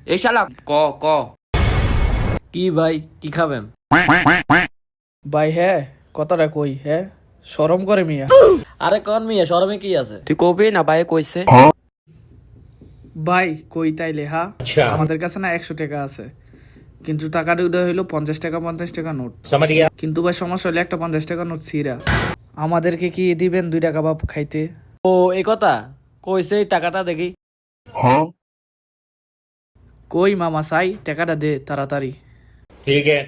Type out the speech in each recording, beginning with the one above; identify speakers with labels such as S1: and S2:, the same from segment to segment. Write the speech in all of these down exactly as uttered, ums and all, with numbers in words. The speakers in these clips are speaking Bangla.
S1: এই শালা
S2: ক ক কি ভাই কি খাবেন?
S3: ভাই হ্যাঁ কথাটা কই হ্যাঁ শরম করে মিয়া।
S2: আরে কোন মিয়া শরমে কি আছে?
S1: তুই কবি না ভাই কইছে।
S3: ভাই কই তাইলে হ্যাঁ আমাদের কাছে না একশো টাকা আছে, কিন্তু টাকাটা উদয় হইলো পঞ্চাশ টাকা পঞ্চাশ টাকা নোট। কিন্তু ভাই সমস্যা হলে একটা পঞ্চাশ টাকা নোট ছিঁড়া। আমাদেরকে কি দিবেন দুইটা কাবাব খাইতে?
S2: ও এই কথা কইছে, এই টাকাটা দেখি।
S3: কই মামা সাই টাকাটা দে তাড়াতাড়ি।
S4: ठीक है।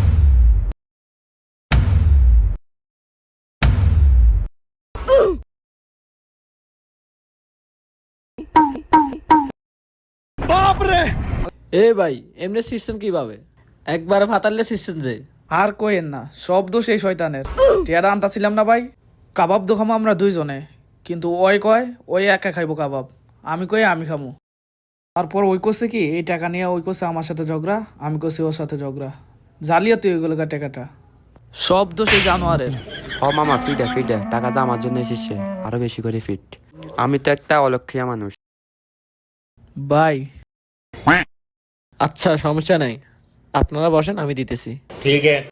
S2: এ ভাই এমনি সিস্টেম কিভাবে? একবার ফাতালে সিস্টেম যে।
S3: আর কইেন না, সব দোষ এই শয়তানের। টিয়াটা আনতাছিলাম না ভাই, কাবাব তো খামো আমরা দুইজনে, কিন্তু ওই কয় ওই একা খাইবো কাবাব, আমি কই আমি খামো। তারপর ওই করছে কি এই টাকা নিয়ে ওই করছে আমার সাথে ঝগড়া, আমি করছি ওর সাথে ঝগড়া, জালিয়াতি ওইগুলো টাকাটা। সব দোষ এই জানোয়ারের।
S1: হ মামা ফিটে ফিটে টাকাটা আমার জন্য এসেছে, আরো বেশি করে ফিট। আমি তো একটা অলক্ষিয়া মানুষ।
S3: ভাই
S2: আচ্ছা সমস্যা নাই, আপনারা বসেন আমি দিতেছি।
S4: ठीक है।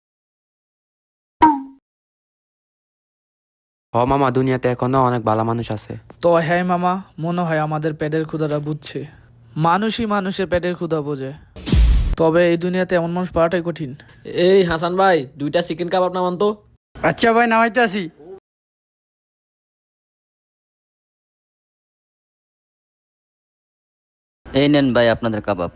S1: হ মামা দুনিয়াতে এখনো অনেক ভালো মানুষ আছে।
S3: তো হ্যাঁ মামা, মনে হয় আমাদের পেটের ক্ষুধাটা বুঝছে। মানুষই মানুষের পেটের ক্ষুধা বোঝে, তবে এই দুনিয়াতে এমন মানুষ পাওয়াটাই কঠিন।
S2: এই হাসান ভাই দুইটা চিকেন কাবাব নামান তো।
S3: আচ্ছা ভাই নামাইতে আসি।
S5: এই নেন ভাই আপনাদের কাবাব।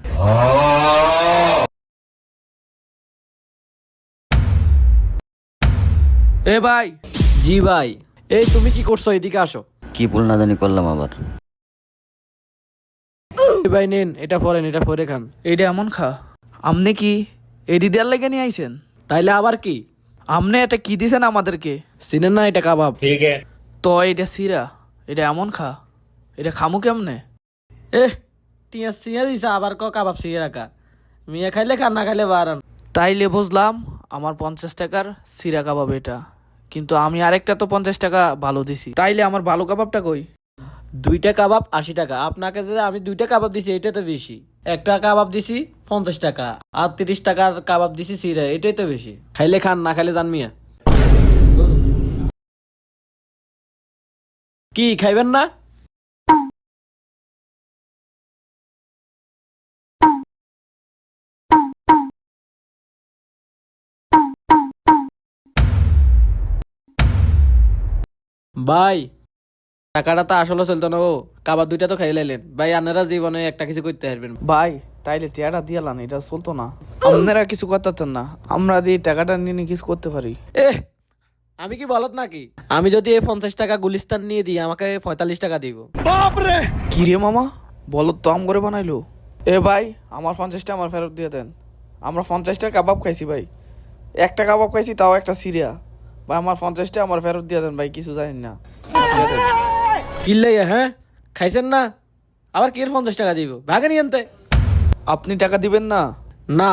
S3: এ ভাই
S2: জি ভাই। এই তুমি কি করছো, এদিকে আসো।
S5: কি ভুল না জানি করলাম আবার।
S2: এই ভাই নেন এটা পরেন, এটা পরে খান।
S3: এইটা এমন খা। আমনে কি এডি দেয়ার লেগে নিয়ে আইছেন?
S2: তাইলে আবার কি?
S3: আমনে এটা কি দিছেন আমাদেরকে?
S2: চিনেন না এটা কাবাব?
S4: ठीक है।
S3: তো এটা সিরা, এটা এমন খা, এটা খামু কেমনে?
S2: এ টিয়া সিয়া দিছে আবার ক কাবাব সিয়া রাখা। মিয়া খাইলে খান, না খাইলে বারান।
S3: তাইলে বুঝলাম আমার পঞ্চাশ টাকার সিরা কাবাব এটা, কিন্তু আমি আরেকটা তো পঞ্চাশ টাকা ভালো দিছি, তাইলে আমার ভালো কাবাবটা কই?
S2: দুইটা কাবাব আশি টাকা, আপনাকে যে আমি দুইটা কাবাব দিছি এটা তো বেশি। একটা কাবাব দিছি পঞ্চাশ টাকা, আর তিরিশ টাকার কাবাব দিছি সিরা, এটাই তো বেশি। খাইলে খান, না খাইলে জান মিয়া। কি খাইবেন না? ভাই টাকাটা তো আসলে চলতো না, ও কাবাব দুইটা তো খাই লাইলেন ভাই, আপনারা জীবনে একটা কিছু করতে পারবেন।
S3: ভাই তাইলে টিয়াটা দিয়ালান, এটা চলতো না। আপনারা কিছু করতেন না, আমরা দিয়ে টাকাটা নিয়ে কিছু করতে পারি।
S2: এ আমি কি বলত নাকি? আমি যদি এই পঞ্চাশ টাকা গুলিস্তান নিয়ে দিই আমাকে পঁয়তাল্লিশ টাকা দিব।
S3: কি রে মামা, বলো তো আম করে বানাইলো। এ ভাই আমার পঞ্চাশটা আমার ফেরত দিয়ে দেন, আমরা পঞ্চাশটা কাবাব খাইছি ভাই, একটা কাবাব খাইছি তাও একটা সিরিয়া। ভাই আমার পঞ্চাশটা আমার ফেরত দিয়ে দেন ভাই, কিছু জানি না।
S2: কিনলে হ্যাঁ খাইছেন না, আবার কি পঞ্চাশ টাকা দিব? ভাগে নিয়ে আনতে।
S3: আপনি টাকা দিবেন না?
S2: না।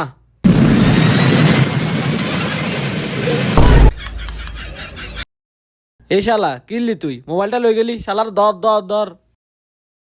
S2: এই শালা কিনলি তুই, মোবাইলটা লই গেলি, শালার দর দর দর।